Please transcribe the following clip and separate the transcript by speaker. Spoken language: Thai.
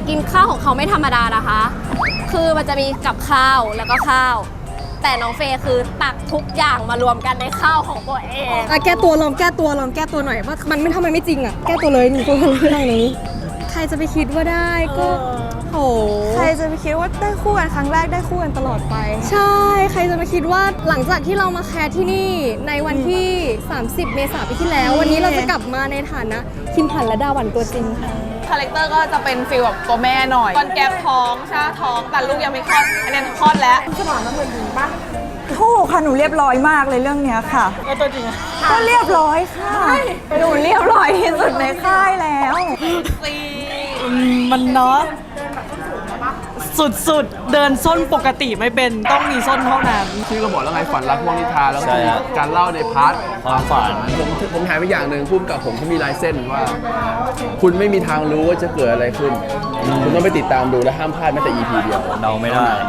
Speaker 1: กินข้าวของเขาไม่ธรรมดานะคะ คือมันจะมีกับข้าวแล้วก็ข้าว แต่น้องเฟย์คือตักทุกอย่างมารวมกันในข้าวของตัวเอง
Speaker 2: แก้ตัวลองแก้ตัวหน่อยว่ามันไม่ทำไมไม่จริงอ่ะแก้ตัวเลยหนูตัวเรื่องนี้ใครจะไปคิดว่าได้ก็โห
Speaker 3: ใครจะไปคิดว่าได้คู่กันครั้งแรกได้คู่กันตลอดไป
Speaker 2: ใช่ใครจะไปคิดว่าหลังจากที่เรามาแคสที่นี่ในวันที่ 30 เมษายนปีที่แล้ว วันนี้เราจะกลับมาในฐานะคิมผันและดาหวันตัวจริงค่ะ
Speaker 3: คาแรคเตอร์ก็จะเป็นฟีลแบบตัวแม่หน่อยตอนแก๊ปท้องใช่ท้องแต่ลูกยังไม่คลอดอันนี้คลอดแล้วสมองมันเหมือนหญิงปะถูกค่ะหนูเรียบร้อยมากเลยเรื่องเนี้ยค่ะแล้วตัวจริงก็เรียบร้อยค่ะหนูเรียบร้อยที่สุดในค่ายแล้ว
Speaker 4: มันเนาะสุดๆเดินส้นปกติไม่เป็นต้องมีส้นเท่านั้น
Speaker 5: ชื่อก็บอกแล้วไงฝันรักพวกนิทานแล้วก็มีการเล่าในพาร์ทความฝันผมหายไปอย่างหนึ่งพุ่มกับผมเขามีลายเส้นว่า คุณไม่มีทางรู้ว่าจะเกิดอะไรขึ้น คุณต้องไปติดตามดูและห้ามพลาดแม้แต่ EP เดียว
Speaker 6: เดาไม่ได้